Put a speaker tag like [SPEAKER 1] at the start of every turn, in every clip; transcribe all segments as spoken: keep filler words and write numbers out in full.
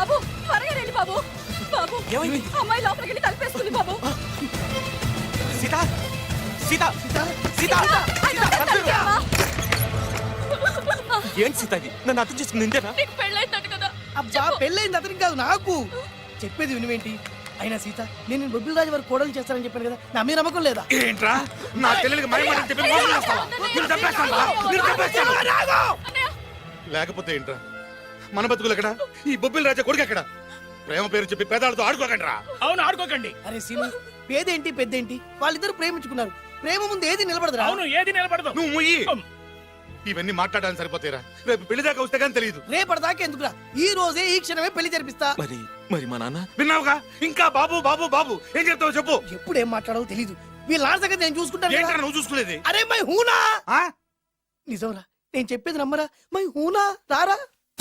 [SPEAKER 1] బాబు త్వరగా రండి బాబు. బాబు అమ్మాయి లోపలికి వెళ్ళి తలుపేసుకుంది బాబు.
[SPEAKER 2] సీత సీత సీత ఏంటి సీత ఇది? నన్ను అర్థం చేసుకుని ఇంతేనా?
[SPEAKER 1] నీకు పెళ్ళైందట కదా.
[SPEAKER 3] అబ్బా పెళ్ళైంది అతనికి కాదు నాకు. చెప్పేది వినువేంటి? అయినా సీత నేను బొబ్బిల్ రాజు వారు కోడలు చేస్తానని చెప్పాను కదా, నా మీద నమ్మకం లేదా?
[SPEAKER 4] ఏంట్రా నా చెల్లెలికి మైమని చెప్పి మోసం చేస్తావా? నిన్ను చంపేస్తాను రా, నిన్ను చంపేస్తాను. లేకపోతే ఏంట్రా మన బతుకులు ఎక్కడ? ఈ బొబ్బిల్ రాజా కొడుకు ఎక్కడ? ప్రేమ పేరు చెప్పి పేదాలతో ఆడుకోకండి రా.
[SPEAKER 5] అవును ఆడుకోకండి.
[SPEAKER 3] అరే సీను, పేదేంటి పెద్దేంటి, వాళ్ళిద్దరు ప్రేమించుకున్నారు. ప్రేమ ముందు ఏది నిలబడదురా.
[SPEAKER 5] అవును ఏది నిలబడదు.
[SPEAKER 4] నువ్వు ముయ్యి. ఇవన్నీ మాట్లాడడానికి సరిపోతారా? రేపు పెళ్లి దాకా వస్తే కానీ తెలియదు.
[SPEAKER 3] రేపటిదాకా ఎందుకురా, ఈ రోజే ఈ క్షణమే పెళ్లి జరిపిస్తా.
[SPEAKER 2] మరి మరి మా నాన్న
[SPEAKER 4] విన్నావుగా? ఇంకా బాబు బాబు బాబు ఏం చెప్తావు చెప్పు.
[SPEAKER 3] ఎప్పుడు ఏం మాట్లాడాలో తెలీదు. వీళ్ళ నాన్న సంగతి నేను చూసుకుంటాను
[SPEAKER 4] ఏంట్రా
[SPEAKER 3] కదా.
[SPEAKER 4] నువ్వు చూసుకునేది?
[SPEAKER 3] అరే మై హూనా.
[SPEAKER 4] ఆ?
[SPEAKER 3] నిజంరా, నేను చెప్పేది నమ్మరా? మై హూనా, రారా.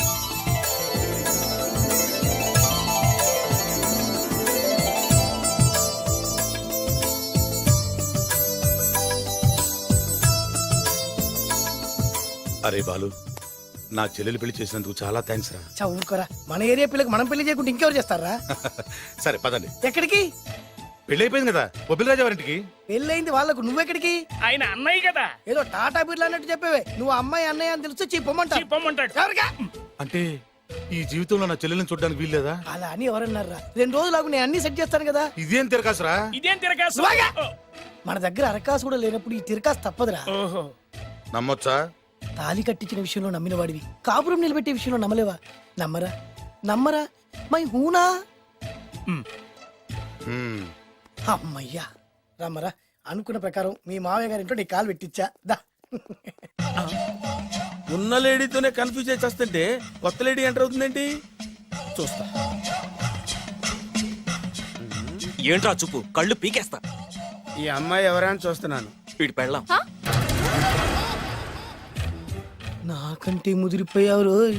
[SPEAKER 4] అరే బాలు, నా చెల్లెలు పెళ్లి చేసినందుకు చాలా థ్యాంక్స్ రా.
[SPEAKER 3] చదువుకోరా, మన ఏరియా పిల్లకి మనం పెళ్లి చేయకుండా ఇంకెవరు చేస్తారా?
[SPEAKER 4] సరే పదండి.
[SPEAKER 3] ఎక్కడికి?
[SPEAKER 4] పెళ్లి అయిపోయింది కదా బొబ్బిల్ రాజా వారింటికి.
[SPEAKER 3] పెళ్ళయింది వాళ్ళకు, నువ్వెక్కడికి?
[SPEAKER 5] ఆయన అన్నయ్య కదా.
[SPEAKER 3] ఏదో టాటా బిర్లా అన్నట్టు చెప్పేవే. నువ్వు అమ్మాయి అన్నయ్య అని తెలిస్తే చెప్పమంటా.
[SPEAKER 5] చెప్పమంటాడు.
[SPEAKER 3] ఎవరికా?
[SPEAKER 4] అంటే ఈ జీవితంలో నా చెల్లెల్ని చూడడానికి వీల్లేదా?
[SPEAKER 3] అలా అని ఎవరన్నారా? రెండు రోజులకు నేను అన్ని సెట్ చేస్తాను కదా.
[SPEAKER 4] ఇదేం తిరకాసురా?
[SPEAKER 5] ఇదేం తిరగాసు?
[SPEAKER 3] నువ్వాగా. మన దగ్గర అరకాసు కూడా లేనప్పుడు ఈ తిరకాసు తప్పదురా.
[SPEAKER 5] ఓహో.
[SPEAKER 4] నమ్మొచ్చా?
[SPEAKER 3] తాలి కట్టించిన విషయంలో నమ్మిన వాడివి, కాపురం నిలబెట్టే విషయంలో నమ్మలేవా? నమ్మరా నమ్మరా మై హూనా.
[SPEAKER 4] హ్మ్.
[SPEAKER 3] అమ్మయ్యా, రమ్మరా. అనుకున్న ప్రకారం మీ మావయ్య గారింట్లో నీ కాలు పెట్టించా. దా.
[SPEAKER 6] ఉన్న లేడీతోనే కన్ఫ్యూజ్ అయి చేస్తుంటే కొత్త లేడీ ఎంటర్ అవుతుందేంటి చూస్తా.
[SPEAKER 2] ఏంట్రా చూపు, కళ్ళు పీకేస్తా.
[SPEAKER 6] ఈ అమ్మాయి ఎవరైనా చూస్తున్నాను.
[SPEAKER 2] వీడి పెళ్ళాం.
[SPEAKER 3] నాకంటే ముదిరిపోయావు రోయ్.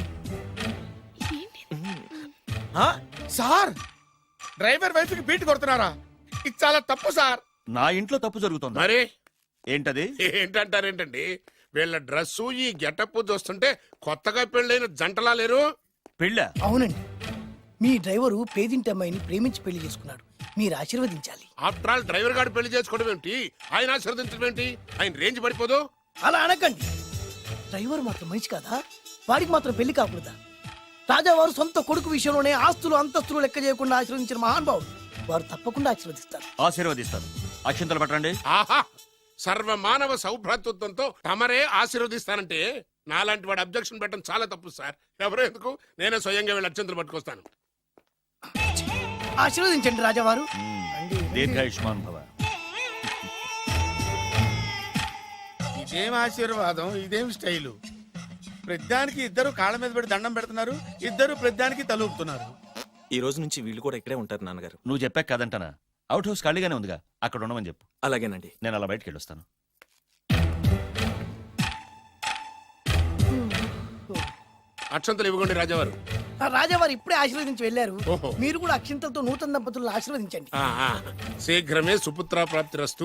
[SPEAKER 6] ఆ? సార్, డ్రైవర్ వైఫ్ కి బీట్ కొడుతున్నారా? ఇది చాలా తప్పు సార్.
[SPEAKER 7] నా ఇంట్లో తప్పు జరుగుతుంది.
[SPEAKER 8] మరి
[SPEAKER 7] ఏంటది?
[SPEAKER 8] ఏంటంటారేంటండి? వీళ్ళ డ్రెస్సు ఈ గెటప్ చూస్తుంటే కొత్తగా పెళ్ళైన జంటలా లేరు.
[SPEAKER 7] పెళ్ళా?
[SPEAKER 3] అవునండి, మీ డ్రైవరు పేదింటి అమ్మాయిని ప్రేమించి పెళ్లి చేసుకున్నాడు. మీరు ఆశీర్వదించాలి.
[SPEAKER 8] ఆఫ్టర్ ఆల్ డ్రైవర్ గారు పెళ్లి చేసుకోవడం ఏంటి, ఆయన ఆశీర్వదించడం ఏంటి? ఆయన రేంజ్ పడిపోదు.
[SPEAKER 3] అలా అనకండి. డ్రైవర్ మాత్రం మనిషి కాదా? వాడికి మాత్రం పెళ్లి కాకూడదా? రాజావారు సొంత కొడుకు విషయంలోనే ఆస్తులు అంతస్తులు లెక్క చేయకుండా ఆశీర్వదించిన మహానుభావుడు. వారు తప్పకుండా ఆశీర్వదిస్తారు.
[SPEAKER 7] ఆశీర్వదిస్తారు. అక్షంతలు పట్టండి.
[SPEAKER 8] ఆహా, సర్వ మానవ సౌభ్రాతృత్వంతో తమరే ఆశీర్వదిస్తానంటే నాలాంటి వాడు అబ్జెక్షన్ పెట్టడం చాలా తప్పు సార్. ఎవరో ఎందుకు, నేనే స్వయంగా వీళ్ళ అత్యంతలు పట్టుకొస్తాను.
[SPEAKER 3] ఆశీర్వదించండి రాజావారు.
[SPEAKER 7] దీర్ఘాయుష్మాన్ భవ.
[SPEAKER 6] ఇదేం ఆశీర్వాదం, ఇదేం స్టైలు? ప్రతిదానికి ఇద్దరు కాళ్ళ మీద పెట్టి దండం పెడుతున్నారు, ఇద్దరు ప్రతిదానికి తలూపుతున్నారు.
[SPEAKER 2] ఈ రోజు నుంచి వీళ్ళు కూడా ఇక్కడే ఉంటారు నాన్నగారు.
[SPEAKER 7] నువ్వు చెప్పాక కాదంటానా? అవుట్ హౌస్ ఖాళీగానే ఉందిగా, అక్కడ ఉండమని చెప్పు.
[SPEAKER 2] అలాగేనండి.
[SPEAKER 7] నేను అలా బయటకు వెళ్ళొస్తాను.
[SPEAKER 8] అక్షంతలు ఇవ్వకండి రాజావారు.
[SPEAKER 3] ఆ రాజావారు ఇప్పుడే ఆశీర్వదించి వెళ్ళారు.
[SPEAKER 8] ఓహో.
[SPEAKER 3] మీరు కూడా అక్షింతలతో నూతన దంపతులను ఆశీర్వదించండి.
[SPEAKER 8] ఆహా, శీఘ్రమే సుపుత్ర ప్రాప్తి రస్తు.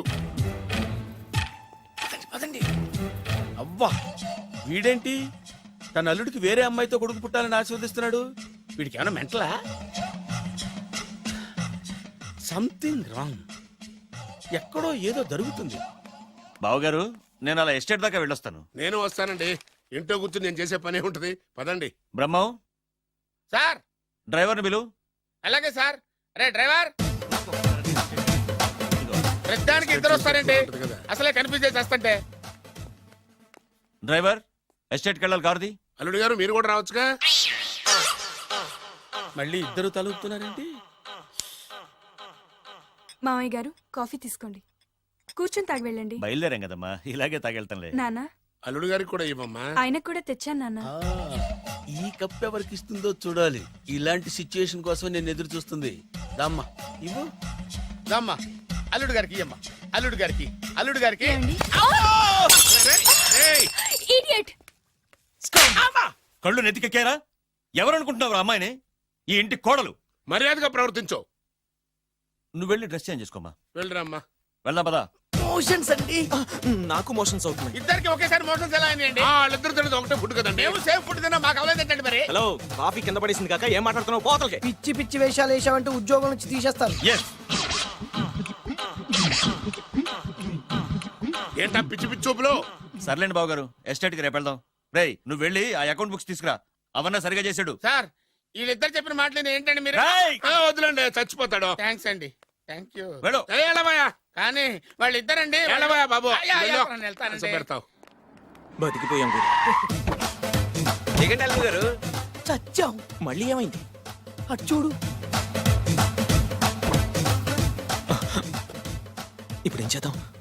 [SPEAKER 3] పదండి.
[SPEAKER 6] అవ్వా, వీడేంటి తన అల్లుడికి వేరే అమ్మాయితో కొడుకు పుట్టాలని ఆశీర్వదిస్తున్నాడు? వీడికి ఏమైనా మెంటలా? Something wrong. ఎక్కడో ఏదో జరుగుతుంది.
[SPEAKER 7] బావగారు, నేను అలా ఎస్టేట్ దాకా వెళ్ళొస్తాను.
[SPEAKER 8] నేను వస్తానండి. ఇంట్లో కూర్చొని నేను చేసే పనే ఉంటది. పదండి.
[SPEAKER 7] బ్రహ్మం,
[SPEAKER 8] సార్
[SPEAKER 7] డ్రైవర్ని పిలు.
[SPEAKER 8] అలాగే సార్. అరే డ్రైవర్, ప్రతిదానికి ఇద్దరు వస్తారండి. అసలే కన్ఫ్యూజ్ చేసి వస్తుంటే.
[SPEAKER 7] డ్రైవర్, ఎస్టేట్కి వెళ్ళాలి, కారుది.
[SPEAKER 8] అల్లుడు గారు మీరు కూడా రావచ్చుగా.
[SPEAKER 6] మళ్ళీ ఇద్దరు తలుపుతున్నారేంటి?
[SPEAKER 1] మామయ్య గారు కాఫీ తీసుకోండి, కూర్చొని తాగి వెళ్ళండి.
[SPEAKER 7] బయలుదేరాం కదమ్మా, ఇలాగే తాగెళ్తానులే.
[SPEAKER 1] నాన్న,
[SPEAKER 8] అల్లుడు గారికి కూడా ఇవ్వమ్మా.
[SPEAKER 1] ఆయనకు కూడా తెచ్చాను నాన్న.
[SPEAKER 6] ఈ కప్ ఎవరికి ఇస్తుందో చూడాలి. ఇలాంటి సిచ్యుయేషన్ కోసం నేను ఎదురు చూస్తుంది. దమ్మా ఇవ్వు, దమ్మా. అల్లుడు గారికి ఇయ్యమ్మా. అల్లుడు గారికి, అల్లుడు గారికి.
[SPEAKER 1] ఇడియట్!
[SPEAKER 7] కళ్ళు నెత్తికెక్కారా? ఎవరనుకుంటున్నావు అమ్మాయిని? ఈ ఇంటి కోడలు.
[SPEAKER 8] మర్యాదగా ప్రవర్తించో.
[SPEAKER 7] నువ్వు వెళ్ళి డ్రెస్ చేంజ్ చేసుకోమా.
[SPEAKER 8] వెళ్ళరమ్మా.
[SPEAKER 7] వెళ్దాం పదా.
[SPEAKER 3] మోషన్స్ అండి.
[SPEAKER 2] నాకు మోషన్స్ అవుతున్నాయి.
[SPEAKER 6] ఇద్దరికి ఒకేసారి మోషన్స్ ఎలా అయినాయండి?
[SPEAKER 8] ఆ, వాళ్ళిద్దరు తినదు ఒకటే ఫుడ్ కదండి.
[SPEAKER 6] మేము సేఫ్ ఫుడ్ తిన్నా మాకు అవ్వలేదండి మరి.
[SPEAKER 2] హలో కాఫీ కింద పడేసింది కాక ఏం మాట్లాడుతున్నావు పోతలకి.
[SPEAKER 3] పిచ్చి పిచ్చి వేషాలు వేసామంటే ఉద్యోగం నుంచి తీసేస్తారు.
[SPEAKER 7] ఎస్
[SPEAKER 8] ఏంటా పిచ్చి పిచ్చి చూపులు?
[SPEAKER 7] సర్లేండి బాబు గారు ఎస్టేట్ కి రేపు వెళ్దాం. రేయ్ నువ్వు వెళ్ళి ఆ అకౌంట్ బుక్స్ తీసుకురా, అవన్నా సరిగా చేసాడు.
[SPEAKER 6] సార్ వీళ్ళిద్దరు చెప్పిన మాటలు ఏంటండి మీరు?
[SPEAKER 7] రేయ్!
[SPEAKER 8] ఆ, వదిలేండి చచ్చిపోతాడు.
[SPEAKER 6] థ్యాంక్స్ అండి, థ్యాంక్ యూ.
[SPEAKER 7] వెళ్ళు.
[SPEAKER 8] ఏ, ఎలవయ్యా
[SPEAKER 6] కానీ వాళ్ళిద్దరండి
[SPEAKER 8] ఎలవయ్యా బాబు
[SPEAKER 6] అయ్యా, అయ్యా,
[SPEAKER 8] వెళ్ళు.
[SPEAKER 6] నేను వెళ్తానండి.
[SPEAKER 8] అసలు పెడతావు.
[SPEAKER 2] బతికిపోయాం గురు.
[SPEAKER 9] దిగండి అల్లుడు గారు.
[SPEAKER 3] చచ్చాం.
[SPEAKER 2] మళ్ళీ ఏమైంది?
[SPEAKER 3] అటు చూడు.
[SPEAKER 2] ఇప్పుడు ఏం చేద్దాం?